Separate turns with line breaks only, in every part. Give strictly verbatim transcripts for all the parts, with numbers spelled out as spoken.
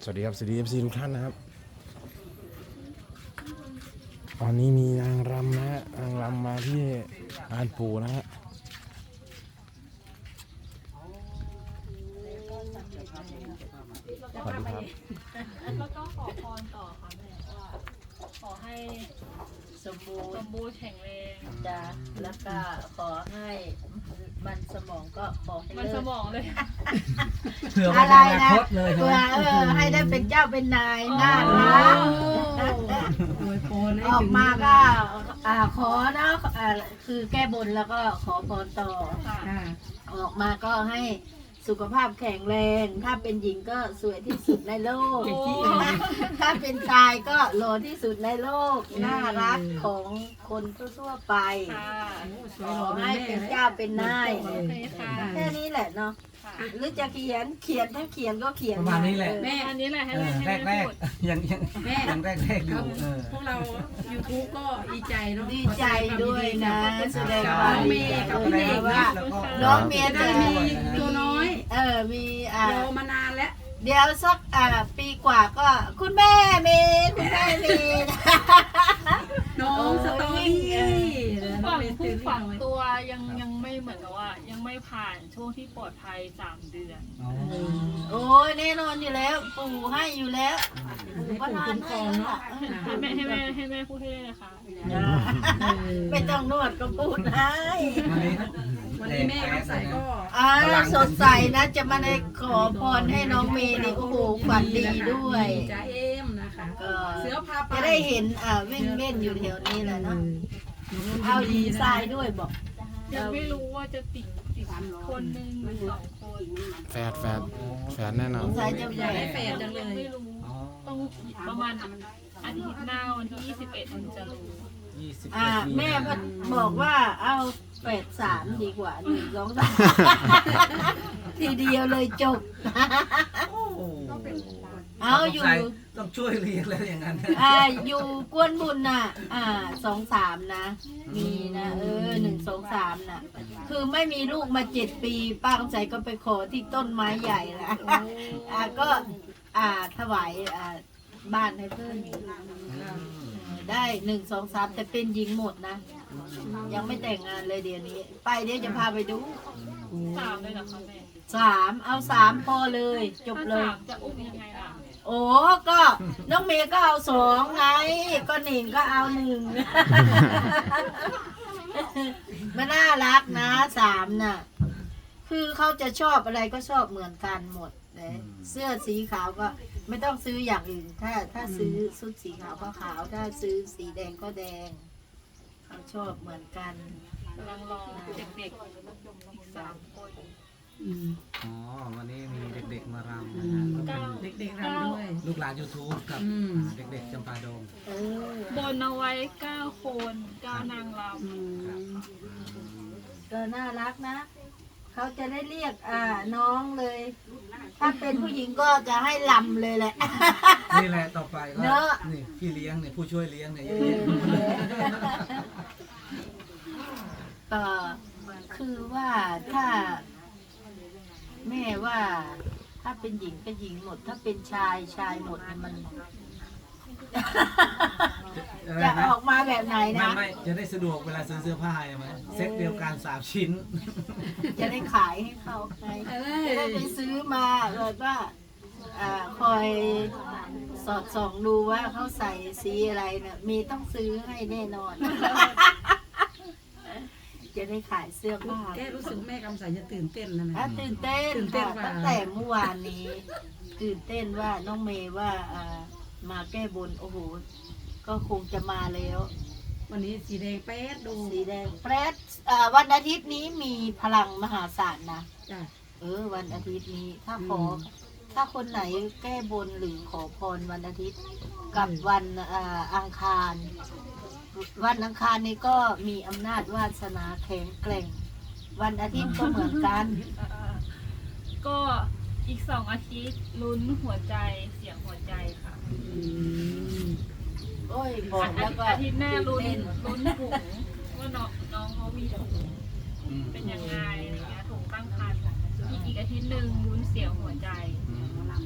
สวัสดีครับสวัสดีเอฟซีทุกท่านนะครับตอนนี้มีนางรำนะฮะนางรำมาที่ลานปู่นะฮะสวัสดีครับ
แล้วก็ขอพรต่อค่ะแม่ว่าขอให้สมบูร
ส
ณ์
มบูรณ์แข็งแรง
จ้ะแล้วก็ขอให้มันสมองก็ขอให้
มัน
เลิ
ส
ก
มองเลย
เผื่อ
อะ
ไม่
ไร
ได้อนา
นะ
คตเลยใช่
เพื่
ไหม
อเออให้ได้เป็นเจ้าเป็นนายน่ารัก
โวยพรให้
ออก
ถึง
มาก็อ่าขอเนาะอ่าคือแก้บนแล้วก็ขอพรต่อ
ค่ะ
ค่ะ
ออกมาก็ให้สุขภาพแข็งแรง ถ้าเป็นหญิงก็สวยที่สุดในโลก ถ้าเป็นชายก็หล่อที่สุดในโลก น่ารักของคนทั่วๆไป
ค่ะ
สว
ข
ยหล่
อ
อเป็น
ให้
แม่
เป็น
เลย
เจ้าเป็นนาย
โอเคค่ะ
แค่นี้แหละเนาะ
ค่ะ
หรือจะเขียนเขียนถ้าเขียนก็เขียน
ประมาณนี้แหละ
เออ
แม่อันนี้แหละให้
เอ
แม่
อ
ให้
แรกแร
แม่
ก
พูด
ๆยังยัง
แม่
ยังแรกแรกๆอยู่เออ
พวกเรา YouTube ก็ดีใจเนาะ
ดีใจด้วยนะ แสดง
น้
ควา
อ
ม
ง
ดี
เม
ใจ
ย์กับ
ด้วย
แม่
นะ
ว่า
ว่า
แล้วก็
น้องเมย์
ได้
จะ
มี
มี
ตัวน้อย
เออมีอ่าร
อมานานแล้ว
เดี๋ยวสักอ่าปีกว่าก็คุณแม่เมย์คุณแม่เมย์
น้องสตอรี่น้อ
ฝั
ง
ง
เป็น
ผู้
ตื่น
ฝัง
น้อย
ตัวยังยังไม่เหมือนกับว่า ยังไม่ผ่านช่วงที่ปลอดภัยสามเดือน
อ๋อ
โอ้ยแน่นอนอยู่แล้ว ปู่ให้อยู่แล้วปู่ก็นานให้แล้วล่ะ
ให้แม่ให้แม่ให้แม่พูดให้ได้เลยค่ะ
ไม่ต้องนวดก็พูดให้
วันนี้
วันนี้แม่ก็ใส่ก็
อ่าสดใสนะจะมาได้ขอพรให้น้องเมย์นี่โอ้โหฝันดีด้วย
จ่าเอ็มนะคะ
ก็
เสือพาไป
จะได้เห็นอ่าวิ่งเล่นอยู่แถวนี้แหละเนาะเอาหญิงทรายด้วยบอก
ยังไม่รู้ว่าจะติดติดคนหนึ่งหรือสองคน
แฟดแฟดแฟดแน่นอน
สายจะ
อยาก
แฝ
ได้
ด
แฟนจังเล
ยัง
ย
ไม่รู้
อ๋อ
ต้องประมาณอาทิตย์หน้าวันที่ยี่สิบเอ็ดถึงจะรู้
ยี่สิบ
อ่า
เอ็ด
แม่ก็บอกว่าเอาแปดสามดีกว่าหนึ่งสองสามทีเดียวเลยจบ
โอ้โห
เอาอยู่
ต้องช่วยเรียกแล้วอย่างนั้น
อ่าอยู่กวนบุญน่ะ อ่าสองสามนะ มีนะเออหนึ่งสองสามน่ะ คือไม่มีลูกมาเจ็ดปีป้าคำใสก็ไปขอที่ต้นไม้ใหญ่ละอ่าก็อ่าถวายอ่าบ้านให้เพื่อนได้หนึ่งสองสามแต่เป็นหญิงหมดนะ ยังไม่แต่งงานเลยเดี๋ยวนี้ ไปเดี๋ยวจะพาไปดู
สามเลยเหรอคะแม่
สามเอาสามพอเลยจบ
ถ้า
เลย
สามจะอุ้มยังไงล่ะ
โอ้ก็น้องเมย์ก็เอาสองไง ก็หนิงก็เอาหนึ่ง มันน่ารักนะสามน่ะ คือเขาจะชอบอะไรก็ชอบเหมือนกันหมดเลยเสื้อสีขาวก็ไม่ต้องซื้ออย่างอื่น ถ้าถ้าซื้อชุดสีขาวก็ขาว ถ้าซื้อสีแดงก็แดง เขาชอบเหมือนกัน
กำลังรอเด็กๆอีกสามคน
อ๋อวันนี้มีเด็กๆมารำนะฮะ
เก้า
เด็กๆรำด้วย
ลูกหลาน YouTube กับ
อืม
เด็กๆจำปาดง
เออ
บนเอาไว้เก้าคนเก้านางร
อืม
ก็น่ารักนะ เขาจะได้เรียกอ่าน้องเลย ถ้าเป็นผู้หญิงก็จะให้ลำเลยแหละ
นี่แหละต่อไปก็
เนอะ
นี่พี่เลี้ยงเนี่ยผู้ช่วยเลี้ยงเนี่ยเย
เอ
อะ
อ
แยะ
ก็คือว่าถ้า แม่ว่า ถ้าเป็นหญิงก็หญิงหมด ถ้าเป็นชายชายหมดเนี่ยมัน จะออกมาแบบไหน
ไม่
นะ
ไม่จะได้สะดวกเวลาซื้อเสื้อผ้าใช่ไหมเซ็ตเดียวกันสามชิ้น
จะได้ขายให้เขาไงจะได้ไปซื้อมาแบบว่าอ่าคอยสอดส่องดูว่าเขาใส่สีอะไรเนี่ยมีต้องซื้อให้แน่นอน จะได้ขายเสื้อผ้า
แกรู้สึกแม่กำใสจะตื่นเต้นแล้วนะ
อ่ะตื่นเต้น
ตื่นเต้น
ค่ะ
ว่า
ตั้งแต่เมื่อวานนี้ ตื่นเต้นว่าน้องเมย์ว่าอ่ามาแก้บนโอ้โหก็คงจะมาแล้ว
วันนี้สีแดงแป๊ดดู
สีแดงแปรดอ่าวันอาทิตย์นี้มีพลังมหาศาลนะ
จ้ะ
เออวันอาทิตย์นี้ถ้าขอ
อืม
ถ้าคนไหนแก้บนหรือขอพรวันอาทิตย์ กับวันอ่าอังคาร วันอังคารนี้ก็มีอำนาจวาสนาแข็งแกร่ง วันอาทิตย์ก็เหมือนกัน
ำเอ่อก็อีกสองอาทิตย์ลุ้นหัวใจเสียงหัวใจค่ะ
อืม
โอ้ยบอกแล้วก็
อาทิตย์หน้าลุ้น
เต้น
ลุ้นถุงว่าน้องน้องเขามีถุง
อืม
เป็นยังไงอะไรเงี้ยถุงตั้งครรภ์อีกอีกอาทิตย์หนึ่งลุ้นเสียงหัวใจ
อืม
ถ้า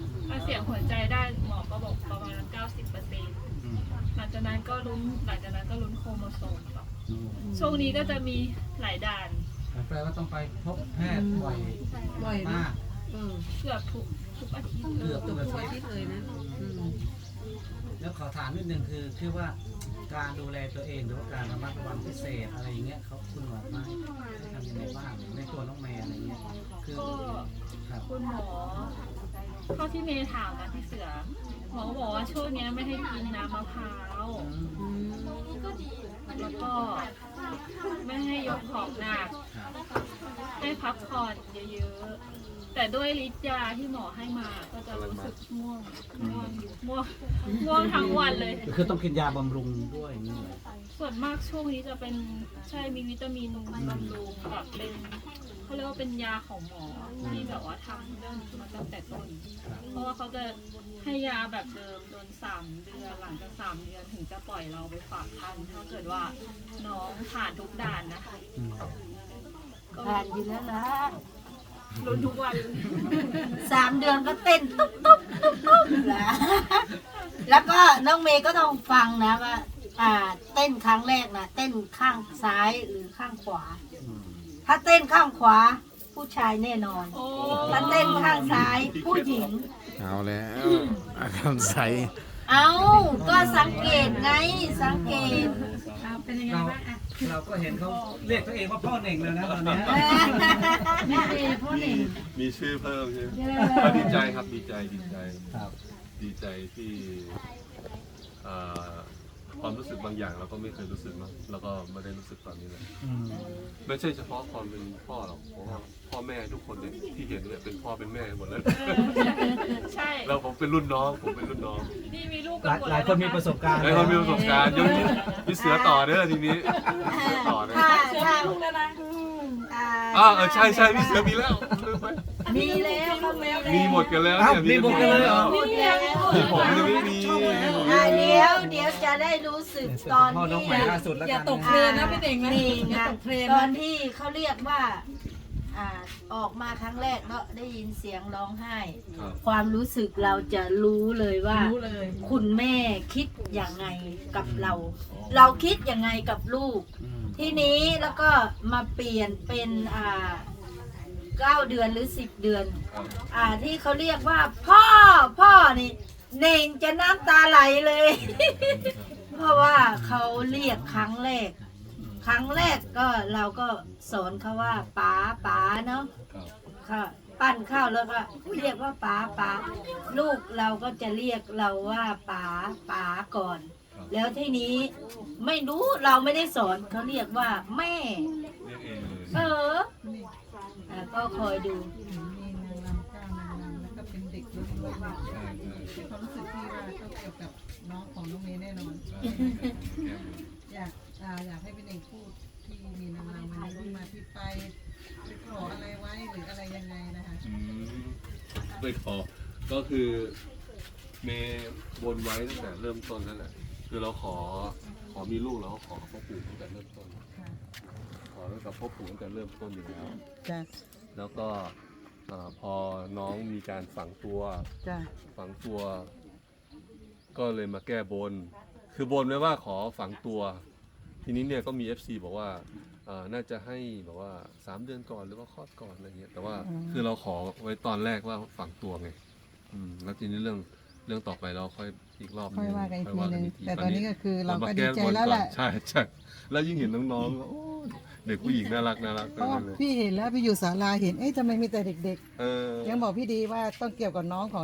เสียงหัวใจได้หมอก็บอกประมาณเก้าสิบเปอร์เซ็นต์หลังจากนั้นก็ลุ้นหลังจากนั้นก็ลุ้นโครโมโซมต่อช่วงนี้ก็จะมีหลายด่าน
แปลว่าต้องไปพบแพทย์บ่อย
บ่อย
มาม
าก
ก
อืม
เกือบทุกทุกอาทิตย์
เกือบทุกอาทิตย์เลยนะอืม
แล้วขอถามนิดนึงคือคือว่าการดูแลตัวเองหรือว่าการระมัดระวังพิเศษอะไรอย่างเงี้ยเขาคุณหมอมาให้ทำยังไงบ้างในตัวน้องแมนอะไรเงี้ยคือ
ก็
ครับ
คุณหมอเท่าที่เมย์ถามนะพี่เสือหมอก็บอกว่าช่วงเนี้ยไม่ให้กินน้ำมะพร้าว
อืม
แล้วก็ไม่ให้ยกของหนัก
ครับ
ให้พักผ่อนเยอะๆ แต่ด้วยฤทธิ์ยาที่หมอให้มาก็จะรู้สึกง่วงง่วงง่วงง่วงทั้งวันเลย
คือต้องกินยาบำรุงด้วยอย่างนี้เหรอ
ส่วนมากช่วงนี้จะเป็นใช่มีวิตามินบำรุงกับเป็นเขาเรียกว่าเป็นยาของหมอที่แบบว่าทำเรื่องนี้มาตั้งแต่ต้น เพราะว่าเขาจะให้ยาแบบเดิมโดนสามเดือนหลังจากสามเดือนถึงจะปล่อยเราไปฝากคันถ้าเกิดว่าน้องผ่านทุกด่านนะคะ
อืม
ก็
ผ่านอยู่แล้วนะ
ลุ้นทุกวัน
สามเดือนก็เต้นตุ๊บตุ๊บตุ๊บตุ๊บแล้วแล้วก็น้องเมย์ก็ต้องฟังนะว่า อ่า เต้นครั้งแรกนะเต้นข้างซ้ายหรือข้างขวา
อืม
ถ้าเต้นข้างขวา ผู้ชายแน่นอน
โอ้
ถ้าเต้นข้างซ้ายผู้หญิง
เอาแล้วอาการใส
เอาก็สังเกตไงสังเกต
เอาเป็นยังไง
เรา
บ้างอ่ะ
เราก็เห็นเขาเรียกตัวเองว่าพ่อเน่งเลยนะตอนเนี้ย
นี่เองพ่อหนึ่ง
มีชื่อเพิ่มใช่ไหมก็ดีใจครับดีใจดีใจ
ครับ
ดีใจที่เอ่อความรู้สึกบางอย่างเราก็ไม่เคยรู้สึกเนอะแล้วก็ไม่ได้รู้สึกตอนนี้เลย
อืม
ไม่ใช่เฉพาะความเป็นพ่อหรอกเพราะว่าพ่อแม่ทุกคนเนี่ยที่เห็นเนี่ยเป็นพ่อเป็นแม่หมดเลย
ใช่
แล้วผมเป็นรุ่นน้องผมเป็นรุ่นน้อง
นี่มีลูก
ห
กัน
ลาย
หมด
หลายคนมีประสบการณ์
แล้วคนมีประสบการณ์ยกมีเสือต่อเด้อทีนี้เสือต่อเด้อ
ถ้าถ้า
ลูกแล้วนะ
อ่า
อ้าวเออใช่ใช่มีเสือมีแล้วลืมไป
มีแล้วเขาแล้ว
มีหมดกันแล้ว
อ้าว
เนี่ย
มีหมดกันเลยเหรอ
มีแล้ว
มีผมยังไม่มี
อ่าเดี๋ยวเดี๋ยวจะได้รู้สึกตอน
พ่อน้อง
ที่
ใหม่ล่าสุดแล้ว
อย่า
กัน
ตกเพลินนะพี่เด่งนะ
นี่
อย่า
นะ
ตกเพลิน
ตอ
นะ
นที่เขาเรียกว่า อ่าออกมาครั้งแรกเนาะได้ยินเสียงร้องไห้
ครับ
ความรู้สึกเราจะรู้เลยว่า
รู้เลย
คุณแม่คิดอย่างไงกับเรา เราคิดยังไงกับลูก
อืม
ทีนี้แล้วก็มาเปลี่ยนเป็นอ่าเก้าเดือนหรือสิบเดือน
ครับ
อ่าที่เขาเรียกว่า พ่อพ่อนี่เน่งจะน้ำตาไหลเลย เพราะว่าเขาเรียกครั้งแรก ครั้งแรกก็เราก็สอนเขาว่าป๋าป๋าเนาะ
ครับ
ค่ะปั้นข้าวแล้วก็เรียกว่าป๋าป๋าลูกเราก็จะเรียกเราว่าป๋าป๋าก่อน แล้วทีนี้ไม่รู้เราไม่ได้สอนเขาเรียกว่าแม่
เรียกเองเลย
เอออ่ะก็คอยดู
มีนางรำก้าวนางรำแล้วก็เป็นเด็กด้วย
ใช่ใช่
ความรู้สึกที่ว่าก็เกี่ยวกับน้องของน้องเมย์แน่นอน
ใช่
อยากอ่าอยากให้พี่เน่งพูดที่มีนางรำวันนี้ที่มาที่ไปไปขออะไรไว้หรืออะไรยังไงนะคะ
อืมไม่ขอก็คือเมย์บนไว้ตั้งแต่เริ่มต้นนั่นแหละคือเราขอขอมีลูกเราก็ขอกับพ่อปู่ตั้งแต่เริ่มต้น
ค่ะ
ขอตั้งแต่พ่อปู่ตั้งแต่เริ่มต้นอยู่แล้ว
จ้ะ
แล้วก็เอ่อพอน้องมีการฝังตัว
จ้ะ
ฝังตัว ก็เลยมาแก้บน คือบนไว้ว่าขอฝังตัว ทีนี้เนี่ยก็มี เอฟ ซี บอกว่าเอ่อน่าจะให้แบบว่าสามเดือนก่อนหรือว่าคลอดก่อนอะไรเงี้ยแต่ว่าคือเราขอไว้ตอนแรกว่าฝังตัวไงอืมแล้วทีนี้เรื่องเรื่องต่อไปเราค่อยอีกรอบ
ค่อยว่ากันอีกทีนึง
ค่ยว่า
แต่ตอนนี้ก็คือเราก็
ม
ดี
ก้
ใจ
บน
แล้ว
ก่อน
แหละ
ใช่ใช่แล้วยิ่งเห็นน้องๆก็โอ้ยเด็กผู้หญิงน่ารักน่ารัก
เพราะว่า
เลย
พี่เห็นแล้วพี่อยู่ศาลาเห็นเอ๊ะทำไมมีแต่เด็ก
เออ
ๆ ยังบอกพี่ดีว่าต้องเกี่ยวกับน้องของ